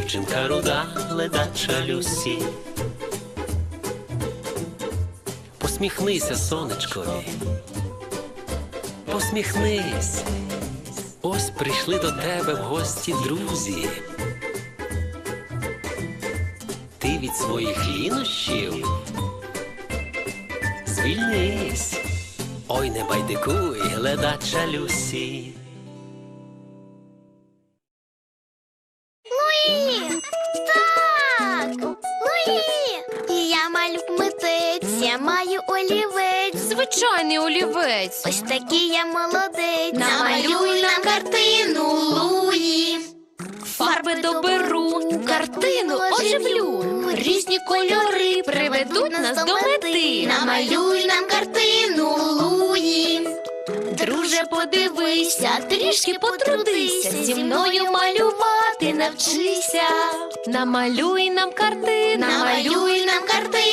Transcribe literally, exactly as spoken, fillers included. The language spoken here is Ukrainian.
дівчинка руда, ледача Люсі. Посміхнися сонечкові, посміхнись. Ось прийшли до тебе в гості друзі. Ти від своїх лінощів звільнись. Ой, не байдикуй, ледача Люсі. Луї! Так! Луї! Я малюк-митець, я маю олівець. Звичайний олівець. Ось такий я молодець. Намалюй нам картину, Луї. Фарби доберу, картину оживлю. Різні кольори приведуть нас до мети. Намалюй нам картину, Луї. Друже, подивися, трішки потрудися, зі мною малювати навчися. Намалюй нам картину, Намалюй нам картину.